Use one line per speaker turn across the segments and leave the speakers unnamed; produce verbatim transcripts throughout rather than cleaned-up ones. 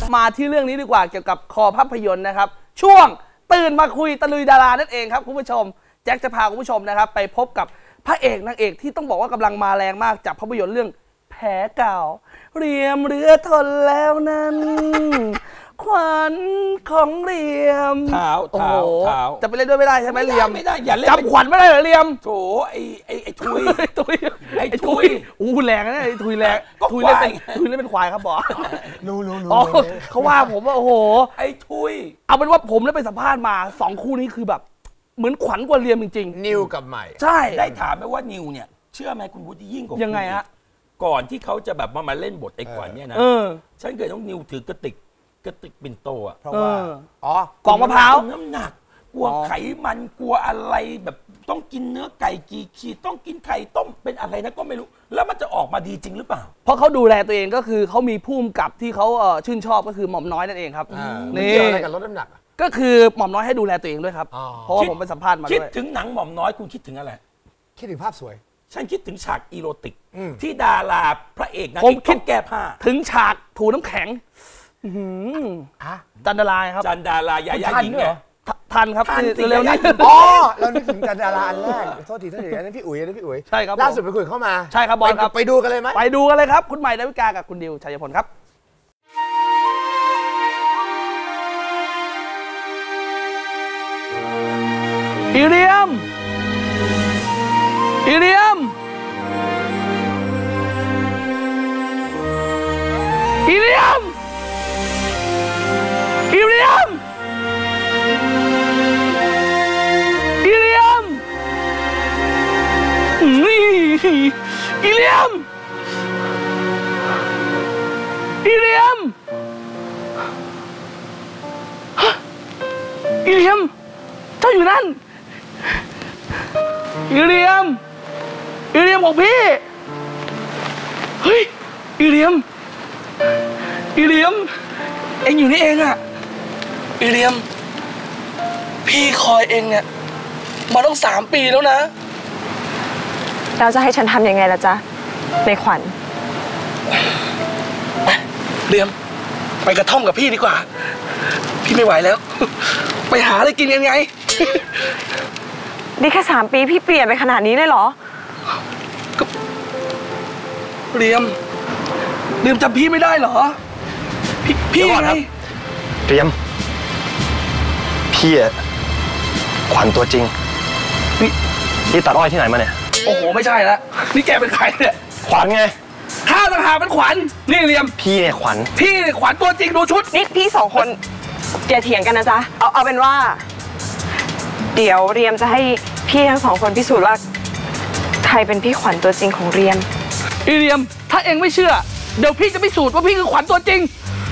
มาที่เรื่องนี้ดีกว่าเกี่ยวกับคอภาพยนตร์นะครับช่วงตื่นมาคุยตะลุยดารานั่นเองครับคุณผู้ชมแจ็คจะพาคุณผู้ชมนะครับไปพบกับพระเอกนางเอกที่ต้องบอกว่ากำลังมาแรงมากจากภาพยนตร์เรื่องแผลเก่าเรียมเรือทนแล้วนั้นขวัญของเรียม
เท้าเท้าเท้า
จะไปเล่นด้วยไม่ได้ใช่ไหมเรียม
ไม่ได้อย่าเล่น
จำขวัญไม่ได้เหรอเรียม
โถไอ้ไอ้ไอ้ทุย
ทุย
ไอ้ทุย
อู้แรงนะไอ้ทุยแรงทุยเล่นเป็นทุยเล่นเป็นควายครับบอ
รู้รู้รู้
เขาว่าผมว่าโอ้โห
ไอ้ทุย
เอาเป็นว่าผมได้ไปสัมภาษณ์มาสองคู่นี้คือแบบเหมือนขวัญกว่าเรียมจริง
ๆนิวกับใหม่
ใช่
ได้ถามไหมว่านิวเนี่ยเชื่อไหมคุณวุฒิยิ่งกว่า
ยังไงฮะ
ก่อนที่เขาจะแบบมามาเล่นบทไอ้ขวัญเนี่ยนะฉันเคยต้องนิวถือกระติกกระติกปิ่นโตอ่ะ
เพราะว่า
อ๋อกล่องมะพร้าว
น้ำหนักกลัวไขมันกลัวอะไรแบบต้องกินเนื้อไก่กี่ขีดต้องกินไข่ต้มเป็นอะไรนะก็ไม่รู้แล้วมันจะออกมาดีจริงหรือเปล่า
เพราะเขาดูแลตัวเองก็คือเขามีภูมิกับที่เขาชื่นชอบก็คือหม่อมน้อยนั่นเองครับ
นี่เกี่ยวอะไรกับลดน้ำหนัก
ก็คือหม่อมน้อยให้ดูแลตัวเองด้วยครับเพราะว่าผมไปสัมภาษณ์มาด้วย
คิดถึงหนังหม่อมน้อยคุณคิดถึงอะไร
คิดถึงภาพสวย
ฉันคิดถึงฉากอีโรติกที่ดาราพระเอกนาง
เอก
ต้องแก้ผ้า
ถึงฉากถูน้ำแข็งจันดาราครับ
จันดารายายาหญิงเนี่ย
ทันครับเร็วๆนี้
อ๋อเรานึกถึงจันดาราอันแรกโทษทีโทษทีอันนั้นพี่อุ๋ยอันนั้นพี่อุ๋ย
ใช่ครับ
ล่าสุดไปคุยเข้ามา
ใช่ครับบอลครับ
ไปดูกันเลยไหม
ไปดูกันเลยครับคุณใหม่ดาวิกากับคุณดิวชัยพลครับอีเรียมอีเรียมอีเรียมอีเรียมอีเรียมนี่อีเรียมอีเรียมอีเรียมเจ้าอยู่นั่นอีเรียมอีเรียมของพี่เฮ้ยอีเรียมอีเรียมเอ็งอยู่นี่เองอะอีเรียมพี่คอยเอ็งเนี่ยมาต้องสามปีแล้วนะ
เราจะให้ฉันทำยังไงล่ะจ๊ะในขวัญ
ไปเรียมไปกระท่อมกับพี่ดีกว่าพี่ไม่ไหวแล้วไปหาอะไรกินยังไง
นี่แค่สามปีพี่เปลี่ยนไปขนาดนี้เลยเหรอ
เรียมเรียมจำพี่ไม่ได้เหรอพี่พี่ไง
เรียมพี่อะขวัญตัวจริงนี่นี่ตัดอ้อยที่ไหนมาเนี่ย
โอ้โหไม่ใช่ละนี่แกเป็นใครเนี่ย
ขวัญไง
ข้าต่างหากเป็นขวัญนี่เรียม
พี่เนี่ยขวัญ
พี่เนี่ยขวัญตัวจริงดูชุด
นี่พี่สองคนอย่าเถียงกันนะจ๊ะเอาเอาเป็นว่าเดี๋ยวเรียมจะให้พี่ทั้งสองคนพิสูจน์ว่าใครเป็นพี่ขวัญตัวจริงของเรียม
อีเรียมถ้าเองไม่เชื่อเดี๋ยวพี่จะพิสูจน์ว่าพี่คือขวัญตัวจริง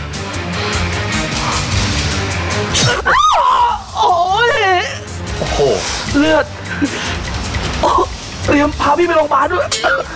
โอ้ย
โอ้โห
เลือดเรียมพาพี่ไปโรงพยาบาลด้วย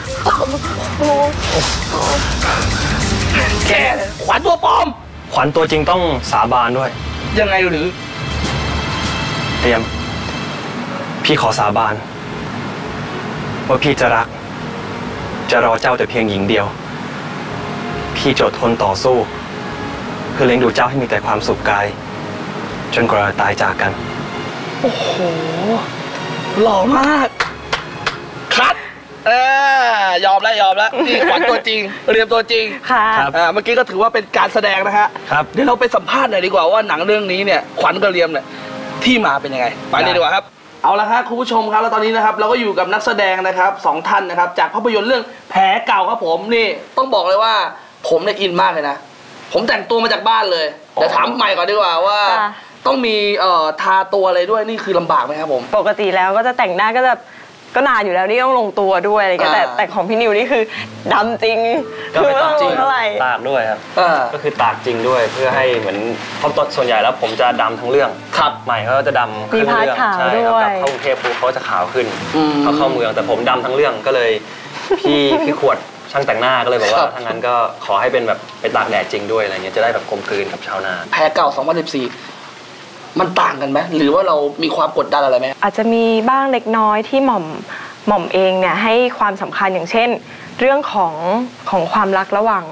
แกขวัญตัวปลอม
ขวัญตัวจริงต้องสาบานด้วย
ยังไงหรือ
เรียมพี่ขอสาบานว่าพี่จะรักจะรอเจ้าแต่เพียงหญิงเดียวพี่จะอดทนต่อสู้เพื่อเลี้ยงดูเจ้าให้มีแต่ความสุขกายจนกว่าเราตายจากกัน
โอ้โหหล่อมากคัดเออยอมแล้วยอมแล้วนี่ขวัญตัวจริงเรียมตัวจริง
ค่ะ
เมื่อกี้ก็ถือว่าเป็นการแสดงนะฮะ
ครับ
เดี๋ยวเราไปสัมภาษณ์หน่อยดีกว่าว่าหนังเรื่องนี้เนี่ยขวัญกับเรียมเนี่ยที่มาเป็นยังไงไปเลยดีกว่าครับเอาละครับคุณผู้ชมครับแล้วตอนนี้นะครับเราก็อยู่กับนักแสดงนะครับสองท่านนะครับจากภาพยนตร์เรื่องแผลเก่าครับผมนี่ต้องบอกเลยว่าผมเนี่ยอินมากเลยนะผมแต่งตัวมาจากบ้านเลยเดี๋ยวถามใหม่ก่อนดีกว่าว่าต้องมีเอ่อทาตัวอะไรด้วยนี่คือลำบากไหมครับผม
ปกติแล้วก็จะแต่งหน้าก็จะก็นานอยู่แล้วนี่ต้องลงตัวด้วยอะไรกันแต่แต่ของพี่นิวนี่คือดำจริง
คือไม่ต้องลงเท่าไหร่ตากด้วยครับก็คือตากจริงด้วยเพื่อให้เหมือนเพราะส่วนใหญ่แล้วผมจะดำทั้งเรื่อง
ครับ
ใหม่เขาจะดำขึ้นเรื่อง
ใช่ครับกลับ
เข้ากรุงเทพปุ๊บเขาจะขาวขึ้นเขาเข้าเมืองแต่ผมดำทั้งเรื่องก็เลยพี่พี่ขวดช่างแต่งหน้าก็เลยบอกว่าถ้างั้นก็ขอให้เป็นแบบไปตากแดดจริงด้วยอะไรเงี้ยจะได้แบบกลมกลืนกับชาวนา
แผลเก่าสองพันสิบสี่มันต่างกันไหมหรือว่าเรามีความกดดันอะไรไหม
อาจจะมีบ้างเล็กน้อยที่หม่อมหม่อมเองเนี่ยให้ความสำคัญอย่างเช่นเรื่องของของความรักระหว่าง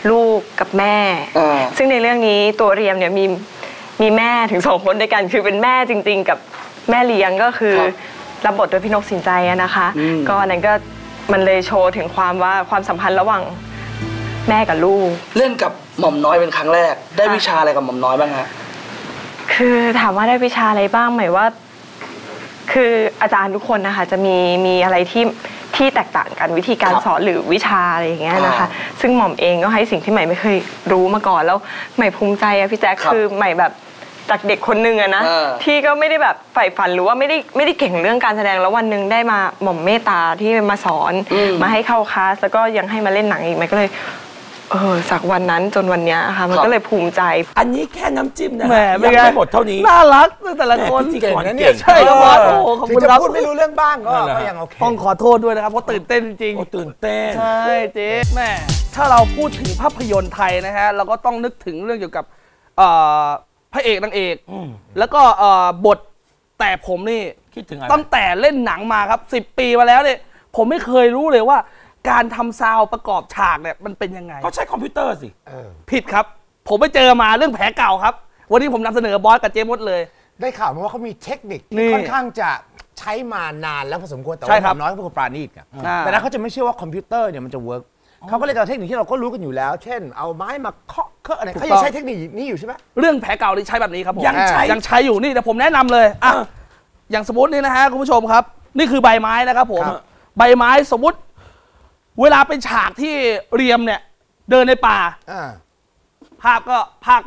ลูกกับแม่ ซึ่งในเรื่องนี้ตัวเรียมเนี่ยมีมีแม่ถึงสองคนด้วยกันคือเป็นแม่จริงๆกับแม่เลี้ยงก็คือรับบทโดยพี่นกสินใจนะคะก็อันนั้นก็มันเลยโชว์ถึงความว่าความสัมพันธ์ระหว่างแม่กับลูก
เล่นกับหม่อมน้อยเป็นครั้งแรกได้วิชาอะไรกับหม่อมน้อยบ้างฮะ
คือถามว่าได้วิชาอะไรบ้างหมายว่าคืออาจารย์ทุกคนนะคะจะมีมีอะไรที่ที่แตกต่างกันวิธีการสอนหรือวิชาอะไรอย่างเงี้ยนะคะซึ่งหม่อมเองก็ให้สิ่งที่ใหม่ไม่เคยรู้มาก่อนแล้วใหม่ภูมิใจอะพี่แจ๊คคือใหม่แบบจากเด็กคนนึงอะนะที่ก็ไม่ได้แบบใฝ่ฝันหรือว่าไม่ได้ไม่ได้เก่งเรื่องการแสดงแล้ววันหนึ่งได้มาหม่อมเมตตาที่มาสอนมาให้เข้าคลาสแล้วก็ยังให้มาเล่นหนังอีกใหม่ก็เลยเออจากวันนั้นจนวันนี้ค่ะมันก็เลยภูมิใจ
อันนี้แค่น้ำจิ้มนะยังไม่หมดเท่านี้
น่ารักแต่ละคน
เก่งนะเนี่ย
ใช่ครับโอ้ขอบคุณครับ
พูดไม่รู้เรื่องบ้างก็ยังโอเค
ต้องขอโทษด้วยนะครับเพราะตื่นเต้นจริง
ๆตื่นเต้น
ใช่เจ๊แม่ถ้าเราพูดถึงภาพยนตร์ไทยนะฮะเราก็ต้องนึกถึงเรื่องเกี่ยวกับพระเอกนางเอกแล้วก็บทแต่ผมนี่
คิดถึง
ตั้งแต่เล่นหนังมาครับสิบปีมาแล้วเนี่ยผมไม่เคยรู้เลยว่าการทำซาวประกอบฉากเนี่ยมันเป็นยังไง
ก็ใช้คอมพิวเตอร์สิ
ผิดครับผมไปเจอมาเรื่องแผลเก่าครับวันนี้ผมนำเสนอบอสกับเจมส์เลย
ได้ข่าวมาว่าเขามีเทคนิคที่ค่อนข้างจะใช้มานานแล้วพอสมควรแต่ว่าน้อยก็เป็นคนปราณีตไงแต่นั้นเขาจะไม่เชื่อว่าคอมพิวเตอร์เนี่ยมันจะเวิร์กเขาก็เลยเอาเทคนิคที่เราก็รู้กันอยู่แล้วเช่นเอาไม้มาเคาะเคาะอะไรเขายังใช้เทคนิคนี้อยู่ใช่ไหม
เรื่องแผลเก่าที่ใช้แบบนี้ครับผม
ยังใช้
ยังใช้อยู่นี่แต่ผมแนะนำเลยอ่ะอย่างสมมตินี่นะฮะคุณผู้ชมครับนี่คือใบไม้นะครับผมใบไม้สมมติเวลาเป็นฉากที่เรียมเนี่ยเดินในป่าภาพก็พากไป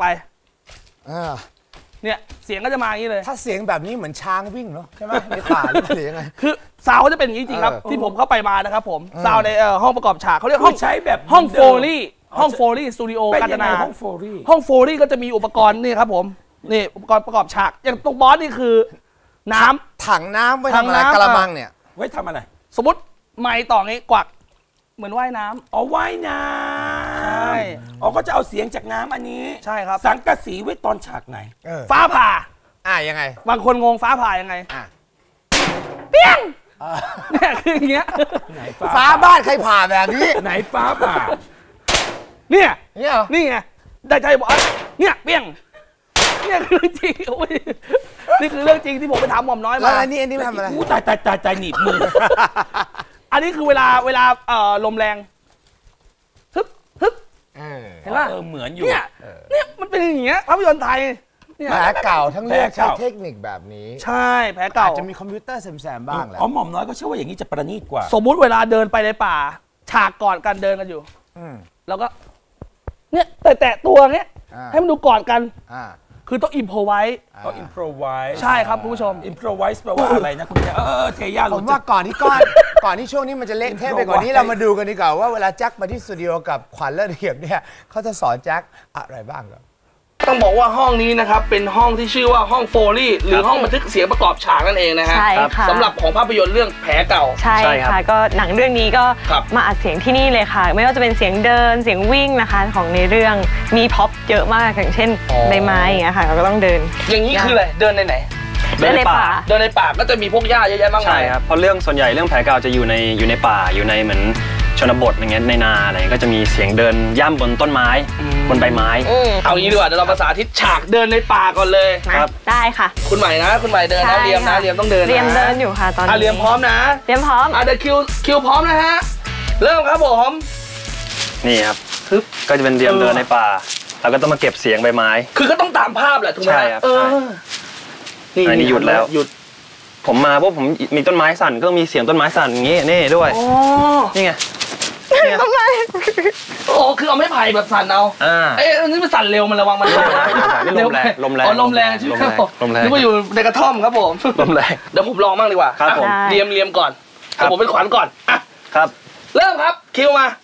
เนี่ยเสียงก็จะมาอย่างนี้เลย
ถ้าเสียงแบบนี้เหมือนช้างวิ่งเนาะใช่ไหมในป่าหรือเสียงไง
คือซาวจะเป็นอย่างนี้จริงครับที่ผมเข้าไปมานะครับผมซาวในห้องประกอบฉากเขาเรียกห้อง
ใช้แบบ
ห้องโฟลี่ห้องโฟลี่สตูดิโอกาญจนา
ห้องโฟลี่
ห้องโฟลี่ก็จะมีอุปกรณ์นี่ครับผมนี่อุปกรณ์ประกอบฉากอย่างตรงบอสนี่คือน้
ำถังน้ำไว้ทำอะไรกระมังเนี่ย
ไว้ทำอะไร
สมมติไม้ต่องี้กวักเหมือนว่ายน้ำ
อ๋อว่ายน้ำใช่อ๋อก็จะเอาเสียงจากน้ำอันนี้
ใช่ครับ
สังกะสีไว้ตอนฉากไหน
ฟ้าผ่า
อ่ะยังไง
บางคนงงฟ้าผ่ายังไงอ่ะเปี้ยงเนี่ยคืออย่างเงี้ย
ฟ้าบ้านใครผ่าแบบนี้
ไหนฟ้าผ่า
เนี่ยนี่ไงได้ใจบอกเนี่ยเปี้ยงเนี่ยคือเรื่องจริงโอ้ยนี่คือเรื่องจริงที่ผมไปถามหม่อมน้อยมา
แล้วอันนี้อันนี้ทำอะไร
ตายตายตายตายหนีบมือ
อันนี้คือเวลาเวลาเอ่อลมแรงฮึบฮึบ
เห็นป่ะเออเหมือนอยู่
เนี่ยเนี่ยมันเป็นอย่างเงี้ยภาพยนตร์ไทย
แผลเก่าทั้งเรื่องใช้เทคนิคแบบนี้
ใช่แผลเก่า
จะมีคอมพิวเตอร์แซมๆบ้างแหละ
อ๋อหม่อมน้อยก็เชื่อว่าอย่างนี้จะประณีตกว่า
สมมุติเวลาเดินไปในป่าฉากก่อนกันเดินกันอยู่แล้วก็เนี่ยแตะตัวเงี้ยให้มันดูก่อนกันคือต้องอิมโพรไวส์
ต้องอิมโพรไวส์
ใช่ครับคุณผู้ชม
อิมโพรไวส์แปลว่าอะไรนะคุณเออเทย่า
ผมว่าก่อนที่ก้อนก่อนที่ช่วงนี้มันจะเละเทะไปกว่านี้เรามาดูกันดีกว่าว่าเวลาแจ็คมาที่สตูดิโอกับขวัญและเรียบเนี่ยเขาจะสอนแจ็คอะไรบ้างครับ
ต้องบอกว่าห้องนี้นะครับเป็นห้องที่ชื่อว่าห้องโฟลี่หรือห้องบันทึกเสียงประกอบฉากนั่นเองนะฮะสำหรับของภาพยนตร์เรื่องแผลเก่า
ใช่ค่ะก็หนังเรื่องนี้ก็มาอัดเสียงที่นี่เลยค่ะไม่ว่าจะเป็นเสียงเดินเสียงวิ่งนะคะของในเรื่องมีพ็อปเยอะมากอย่างเช่นใบไม้อย่างเงี้ยค่ะเราก็ต้องเดิน
อย่างนี้คืออะไรเดินในไหน
เดินในป่า
เดินในป่าก็จะมีพวกหญ้าเยอะแยะมากมาย
ใช่ครับเพราะเรื่องส่วนใหญ่เรื่องแผลเก่าจะอยู่ในอยู่ในป่าอยู่ในเหมือนชนบทอย่างเงี้ยในนาอะไรก็จะมีเสียงเดินย่ำบนต้นไม้บนใบไม้
เอางี้ดีกว่าเดี๋ยวเราภาษาทิศฉากเดินในป่าก่อนเลย
ครับได้ค่ะ
คุณใหม่นะคุณใหม่เดินนะเรียมนะเรียมต้องเดิน
เรียมเดินอยู่ค่ะตอนนี้
เรียมพร้อมนะ
เรียมพร้อม
อ่ะเดี๋ยวคิวคิวพร้อมนะฮะเริ่มครับผม
นี่ครับก็จะเป็นเรียมเดินในป่าแล้วก็ต้องมาเก็บเสียงใบไม้
คือก็ต้องตามภาพแหละถูกไหม
ใช่ครับอันนี้หยุดแล้วหยุดผมมาเพราะผมมีต้นไม้สั่นก็มีเสียงต้นไม้สั่นอย่างงี้นี่ด้วยนี่ไง
ทำไม
โอ้คือเอาไม้ไผ่แบบสั่นเอาเอ้ยอันนี้มันสั่นเร็วมันระวังมัน
ลมแรงลมแรง
อ๋อลมแรงใช่ไหมครับผมนึกว่าอยู่ในกระท่อมครับผม
ลมแรง
เดี๋ยวผมลองบ้างดีกว่า
ครับผม
เรียมเรียมก่อนผมเป็นขวัญก่อนอ่ะ
ครับ
เริ่มครับคิวมา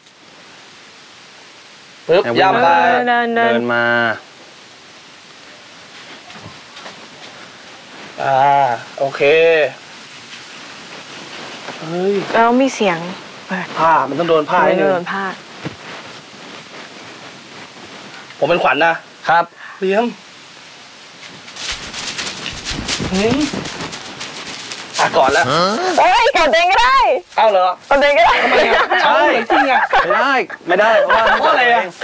ปึ๊บย่ำไป
เดินมา
อ่าโอเค
เฮ้ยแล้วมีเสียง
ผ้ามันต้องโดนผ้าให้
โดนผ้า
ผมเป็นขวัญนะครับเลี้ยงนี่อ่ะก่อนแล้ว
เฮ้ยก่อนเองก็ได้
เอ้าเหรอ
ก่อนเองก็ได้
ทำไมอ่ะใช่จริงอ่ะ
ไม่ได้ไม่ได้เพราะว่า
เพราะอะไรอ่ะ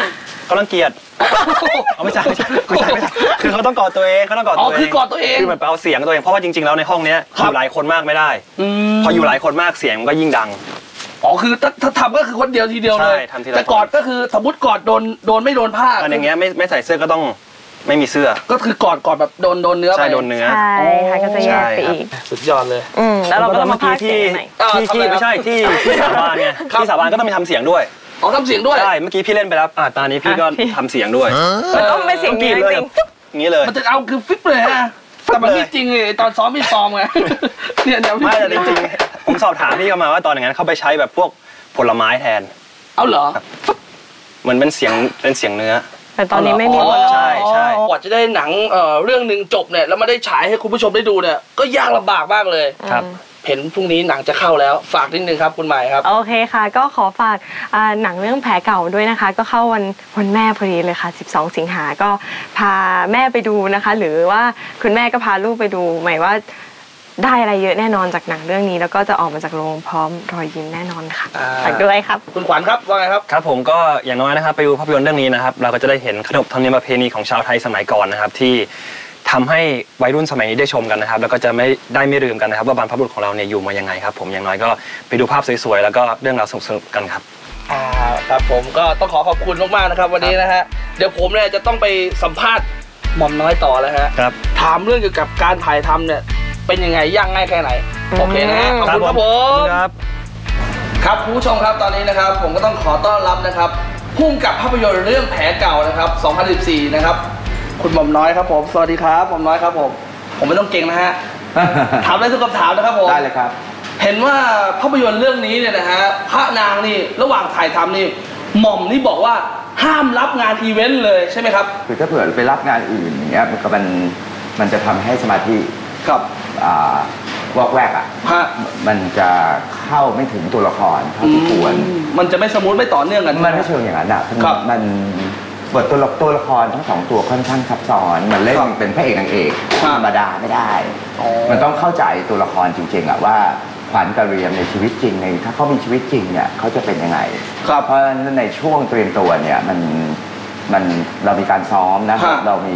เขารังเกียจเอาไม่ใช่ไม่ใช่ไม่ใช่ไม่ใช่คือเขาต้องกอดตัวเองเขาต้องกอดตัวเอง
อ๋อคือกอดตัวเอง
คือเหมือนเอาเสียงตัวเองเพราะว่าจริงๆแล้วในห้องเนี้ยอยู่หลายคนมากไม่ได้พออยู่หลายคนมากเสียงมันก็ยิ่งดัง
อ๋อคือถ้าถ้าทำก็คือคนเดียวทีเดียวเลยแต่กอดก็คือสมมติกอดโดนโดนไม่โดนผ้า
อันอย่างเงี้ยไม่ไม่ใส่เสื้อก็ต้องไม่มีเสื้อ
ก็คือกอดกอดแบบโดนโดนเนื้อ
ใช่โดนเนื้อ
ใช่ค่ะก็จะแยกไปอีก
สุดยอดเลย
อืมแล้วเราก็ต้องมาพากย์เสียงใหม่
ที่ที่ไม่ใช่ที่ที่สาบานไงที่สาบานก็ต้องมีทำเสียงด้วย
อ๋อทำเสียงด้วย
ใช่เมื่อกี้พี่เล่นไปแล้วอ่าตอนนี้พี่ก็ทำเสียงด้วย
มันต้องเป็นเสียงจริงจริง
อย่างนี้เลย
มันจะเอาคือฟิปเลยฮะแต่มันไม่จริงเลยตอนซ้อมพี่ซ้อมไงเนี่ยเดี๋ยว
ไม่แต่จริงๆผมสอบถามพี่เขามาว่าตอนอย่างนั้นเขาไปใช้แบบพวกผลไม้แทน
เอาเหรอ
เหมือนเป็นเสียงเป็นเสียงเนื้อ
แต่ตอนนี้ไม่มี
ใช่ใช่
กว่าจะได้หนังเอ่อเรื่องหนึ่งจบเนี่ยแล้วมาได้ฉายให้คุณผู้ชมได้ดูเนี่ยก็ยากลำบากมากเลย
ครับ
เห็นพรุ่งนี้หนังจะเข้าแล้วฝากนิดนึงครับคุณหมายครับ
โอเคค่ะก็ขอฝากหนังเรื่องแผลเก่าด้วยนะคะก็เข้าวันวันแม่พอดีเลยค่ะสิบสองสิงหาก็พาแม่ไปดูนะคะหรือว่าคุณแม่ก็พาลูกไปดูหมายว่าได้อะไรเยอะแน่นอนจากหนังเรื่องนี้แล้วก็จะออกมาจากโรงพร้อมรอยยิ้มแน่นอนค่ะฝากด้วยครับ
คุณขวัญครับว่าไงครับ
ครับผมก็อย่างน้อยนะครับไปดูภาพยนตร์เรื่องนี้นะครับเราก็จะได้เห็นขนบธรรมเนียมประเพณีของชาวไทยสมัยก่อนนะครับที่ทำให้วัยรุ่นสมัยนี้ได้ชมกันนะครับแล้วก็จะไม่ได้ไม่ลืมกันนะครับว่าบรรพบุรุษของเราเนี่ยอยู่มายังไงครับผมอย่างน้อยก็ไปดูภาพสวยๆแล้วก็เรื่องราวสนุกๆกันครับ
อ่าครับผมก็ต้องขอขอบคุณมากๆนะครับวันนี้นะฮะเดี๋ยวผมเนี่ยจะต้องไปสัมภาษณ์หม่อมน้อยต่อแล้วฮะ
ครับ
ถามเรื่องเกี่ยวกับการถ่ายทำเนี่ยเป็นยังไงยากง่ายแค่ไหนโอเคนะฮะขอบคุณครับผม
ครับ
ครับคุณผู้ชมครับตอนนี้นะครับผมก็ต้องขอต้อนรับนะครับพุ่งกับภาพยนตร์เรื่องแผลเก่านะครับสองพันสิบสี่นะครับคุณหม่อมน้อยครับผมสวัสดีครับหม่อมน้อยครับผมผมไม่ต้องเก่งนะฮะถามได้ทุกคำถามนะครับผม
ได้เลยครับ
เห็นว่าภาพยนตร์เรื่องนี้เนี่ยนะฮะพระนางนี่ระหว่างถ่ายทำนี่หม่อมนี่บอกว่าห้ามรับงานอีเวนต์เลยใช่ไหมครับ
คือถ้าเผื่อไปรับงานอื่นอย่างเงี้ยมันก็มันมันจะทำให้สมาธิ
ครับ
อ่าวอกแวกอ่ะมันจะเข้าไม่ถึงตัวละครเท่าที่ควร
มันจะไม่สมูทไม่ต่อเนื่องกัน
มันไม่เชิงอย่างนั้นอ่ะมันบทตัวละตัวละครทั้งสองตัวค่อนข้างซับซ้อนมันเล่นเป็นพระเอกนางเอกธรรมดาไม่ได้มันต้องเข้าใจตัวละครจริงๆอ่ะว่าขวัญกระเรียมในชีวิตจริงในถ้าเขามีชีวิตจริงเนี่ยเขาจะเป็นยังไงเพราะฉะนั้นในช่วงเตรียมตัวเนี่ยมันมันเรามีการซ้อมนะครับเรามี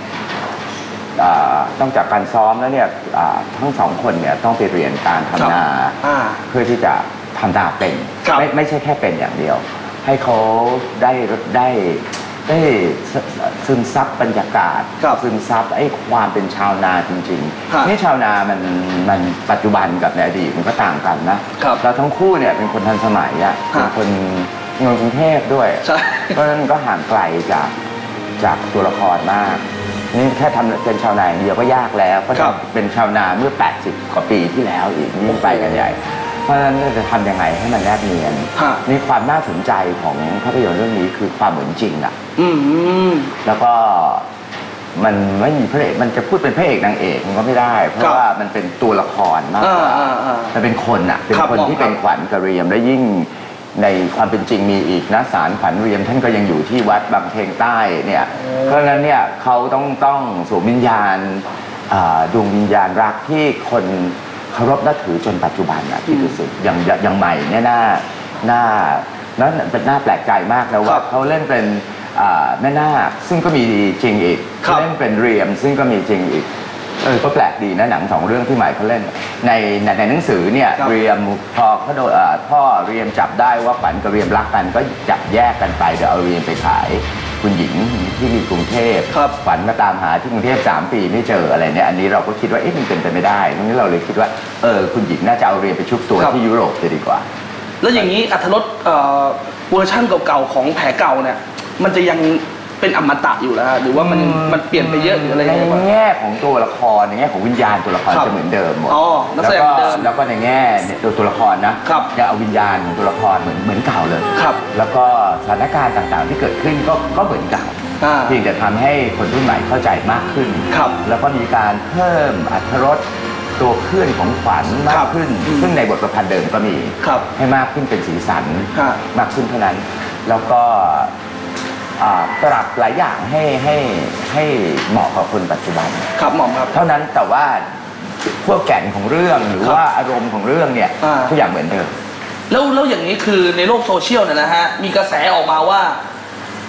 ต้องจากการซ้อมแล้วเนี่ยทั้งสองคนเนี่ยต้องไปเรียนการทำนาเพื่อที่จะทำนาเป็นไม่ไม่ใช่แค่เป็นอย่างเดียวให้เขาได้ได้ได้ซึมซับบรรยากาศซึมซับไอ้ความเป็นชาวนาจริงๆนี่ชาวนามันมันปัจจุบันกับในอดีตมันก็ต่างกันนะเราทั้งคู่เนี่ยเป็นคนทันสมัยอ่ะเป็นคนเมืองกรุงเทพด้วยเพราะฉะนั้นก็ห่างไกลจากจากตัวละครมากนี่แค่ทำเป็นชาวนาอย่างเดียวก็ยากแล้วเพราะเป็นชาวนาเมื่อแปดสิบกว่าปีที่แล้วอีกนี่ไปกันใหญ่เพราะฉะนั้นจะทำยังไงให้มันแนบเนียนนี่ความน่าสนใจของภาพยนตร์เรื่องนี้คือความเหมือนจริงอ่ะแล้วก็มันไม่มีพระเอกมันจะพูดเป็นพระเอกนางเอกมันก็ไม่ได้เพราะว่ามันเป็นตัวละครมากกว่ามันเป็นคนอ่ะเป็นคนที่เป็นขวัญกระเรียมและยิ่งในความเป็นจริงมีอีกนะศาลขวัญเรียมท่านก็ยังอยู่ที่วัดบางเพลงใต้เนี่ยเพราะฉะนั้นเนี่ยเขาต้องต้องสวมวิญญาณดวงวิญญาณรักที่คนเคารพนับถือจนปัจจุบันนะที่รู้สึกอย่างอย่างใหม่เนี่ยน่าน่านั่นเป็นน่าแปลกใจมากนะว่าเขาเล่นเป็นแม่นาคซึ่งก็มีจริงอีกเล่นเป็นเรียมซึ่งก็มีจริงอีกเออก็แปลกดีนะหนังสองเรื่องที่ใหม่เขาเล่นในในหนังสือเนี่ยเรียมพอเขาโดนพ่อเรียมจับได้ว่าขวัญกับเรียมรักกันก็จับแยกกันไปเดี๋ยวเอาเรียมไปขายคุณหญิงที่มีกรุงเทพขวัญมาตามหาที่กรุงเทพสามปีไม่เจออะไรเนี่ยอันนี้เราก็คิดว่าเอ๊ะมันเป็นไปไม่ได้ทั้งนี้เราเลยคิดว่าเออคุณหญิงน่าจะเอาเรียมไปชุบตัวที่ยุโรปจะดีกว่า
แล้วอย่างนี้อรรถรสเวอร์ชั่นเก่าๆของแผลเก่าเนี่ยมันจะยังเป็นอมตะอยู่แล้วหรือว่ามันมันเปลี่ยนไปเยอะหรืออะไร
ในแง่ของตัวละครในแง่ของวิญญาณตัวละครจะเหมือนเดิมหมดแล้วก็แล้วก็ในแง่ตัวตัวละครนะยังเอาวิญญาณของตัวละครเหมือนเหมือนเก่าเลยแล้วก็สถานการณ์ต่างๆที่เกิดขึ้นก็ก็เหมือนเก่าเพียงแต่ทำให้คนรุ่นใหม่เข้าใจมากขึ้นแล้วก็มีการเพิ่มอรรถรสตัวเพื่อนของขวัญมากขึ้นซึ่งในบทประพันธ์เดิมก็มีให้มากขึ้นเป็นสีสันมากขึ้นเท่านั้นแล้วก็ปรับหลายอย่างให้ให้ให้เหมาะกับคนปัจจุบัน
ครับหม่อมครับ
เท่านั้นแต่ว่าพวกแก่นของเรื่องหรือว่าอารมณ์ของเรื่องเนี่ยทุกอย่างเหมือนเดิม
แล้วแล้วอย่างนี้คือในโลกโซเชียลเนี่ยนะฮะมีกระแสออกมาว่า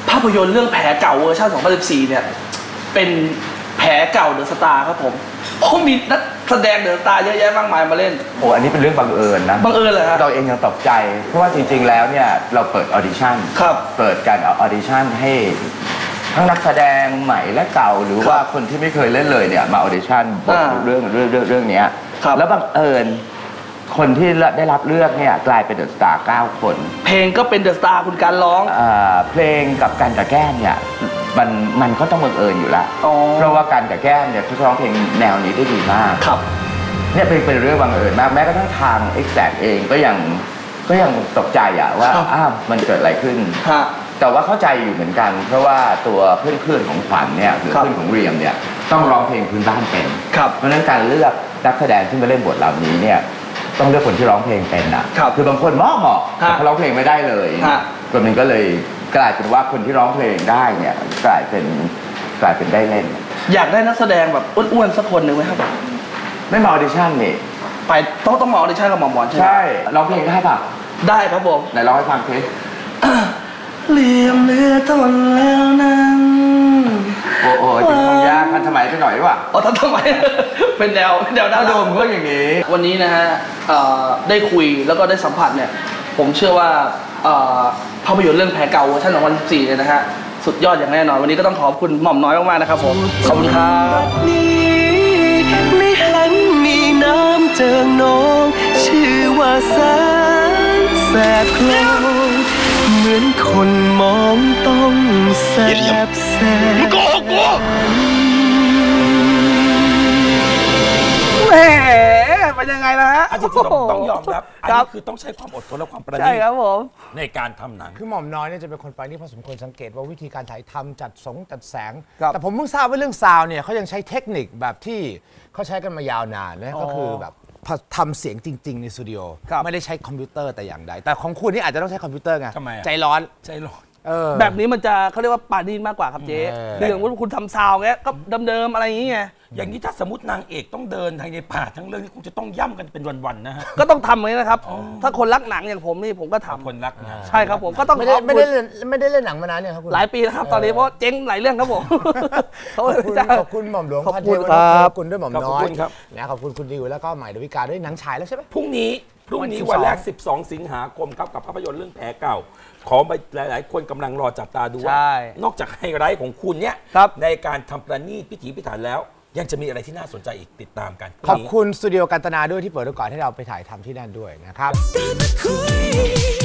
ภาพยนตร์เรื่องแผลเก่าเวอร์ชันสองพันสิบสี่เนี่ยเป็นแผลเก่าเดอะสตาร์ครับผมโอ้มีนักแสดงเดอะสตาร์เยอะแยะมากมายมาเล่น
โอ้อันนี้เป็นเรื่องบังเอิญนะ
บังเอิญเลยครับ
เราเองยังตกใจเพราะว่าจริงๆแล้วเนี่ยเราเปิดออดิชั่นเปิดการออดิชั่นให้ทั้งนักแสดงใหม่และเก่าหรือว่าคนที่ไม่เคยเล่นเลยเนี่ยมาออดิชั่นบทเรื่องเรื่องเรื่องเรื่องนี้แล้วบังเอิญคนที่ได้รับเลือกเนี่ยกลายเป็นเดอะสตาร์เก้าคน
เพลงก็เป็นเดอะสตาร์คุณการร้อง
เพลงกับการกับแก้มเนี่ยมันมันก็ต้องบังเอิญอยู่แล้วเพราะว่าการกับแก้มเนี่ยเขาร้องเพลงแนวนี้ได้ดีมาก
ครับ
เนี่ยเป็นเป็นเรื่องบังเอิญมากแม้กระทั่งทาง Exact เองก็ยังก็ยังตกใจอะว่าอ้าวมันเกิดอะไรขึ้นแต่ว่าเข้าใจอยู่เหมือนกันเพราะว่าตัวเพื่อนๆของขวัญเนี่ยหรือเพื่อนของเรียมเนี่ยต้องร้องเพลงพื้นบ้านเป็นเพราะฉะนั้นการเลือกนักแสดงที่มาเล่นบทเหล่านี้เนี่ยต้องเลือกคนที่ร้องเพลงเป็นอ่ะคือบางคนเหมาะเหมาะแต่เขาร้องเพลงไม่ได้เลยตัวนึงก็เลยกลายเป็นว่าคนที่ร้องเพลงได้เนี่ยกลายเป็นกลายเป็นได้เล่น
อยากได้นักแสดงแบบอ้วนๆสักคนหนึ่งไหมครับ
ไม่มาออดิชั่นนี่
ไปต้องต้องมาออดิชั่นกับหมอหมอนใช่ไหม
ใช่ร้องเพลงได้ป่ะ
ได้ครับผม
ไหนร้องให้ฟังสิ
เลี่ยมเลือทนแล้วนั้น
โอ้โหถึงคงยากทันสมัยไปหน่อยดีกว่า
อ๋อทันสมัยเป็นแนวแนวด้าน
โดมก็อย่างนี้
วันนี้นะฮะได้คุยแล้วก็ได้สัมผัสเนี่ยผมเชื่อว่าภาพยนตร์เรื่องแผลเก่าเวอร์ชันสองพันสิบสี่เนี่ยนะฮะสุดยอดอย่างแน่นอนวันนี้ก็ต้องขอบคุณหม่อมน้อยมากๆนะครับผมขอบคุณครับ
ไม่หันมีน้ำเจิงนองชื่อว่าแสนแสบคลองเหมือนคนมองต้องแสบแสบโกโก้
แหมเป็นยังไงนะฮะ
จริงๆต้องยอมรับอันนี้คือต้องใช้ความอดทนและความประณีตใช่
ครับผม
ในการทำหนัง
คือหม่อมน้อยเนี่ยจะเป็นคนประณีตพอสมควรสังเกตว่าวิธีการถ่ายทำจัดสงจัดแสงแต่ผมเพิ่งทราบว่าเรื่องซาวเนี่ยเขายังใช้เทคนิคแบบที่เขาใช้กันมายาวนานนะก็คือแบบทำเสียงจริงๆในสตูดิโอไม่ได้ใช้คอมพิวเตอร์แต่อย่างใดแต่ของคุณนี่อาจจะต้องใช้คอมพิวเตอร์ไงใจร้อน
ใจร้อน
แบบนี้มันจะเขาเรียกว่าปาณีตมากกว่าครับเจ๊คืออย่างว่าคุณทำซาวเงี้ยก็เดิมๆอะไรอย่างเงี้ย
อย่างนี้ถ้าสมมตินางเอกต้องเดินทางในป่าทั้งเรื่องนี้คงจะต้องย่ำกันเป็นวันๆนะฮะ
ก็ต้องทำเลยนะครับถ้าคนรักหนังอย่างผมนี่ผมก็ทำ
คนรักนะ
ใช่ครับผมก็ต้อง
ไม่ได้ไม่ได้เล่นไม่ได้เล่นหนังมานานเนี่ยครับคุณ
หลายปีแล้วครับตอนนี้เพราะเจ๊งหลายเรื่องครับผม
ขอบคุณขอบคุณหม่อมหลวงพันเทวขอบคุณด้วยหม่อมน้อยนะขอบคุณคุณดิวแล้วก็ใหม่ดาวิกาด้วยหนังฉายแล้วใช่ไหม
พรุ่งนี้พรุ่งนี้วันแรกสิบสองสิงหาคมครับกับภาพยนตร์เรื่องแผลเก่าขอไปหลายๆคนกำลังรอจับตาดูว่านอกจากไฮไลท์ของคุณเนี่ยในการทำประณีตพิถีพิถันแล้วยังจะมีอะไรที่น่าสนใจอีกติดตามกัน
ขอบคุณสตูดิโอกันตนาด้วยที่เปิดโอกาสให้เราไปถ่ายทำที่นั่นด้วยนะครับ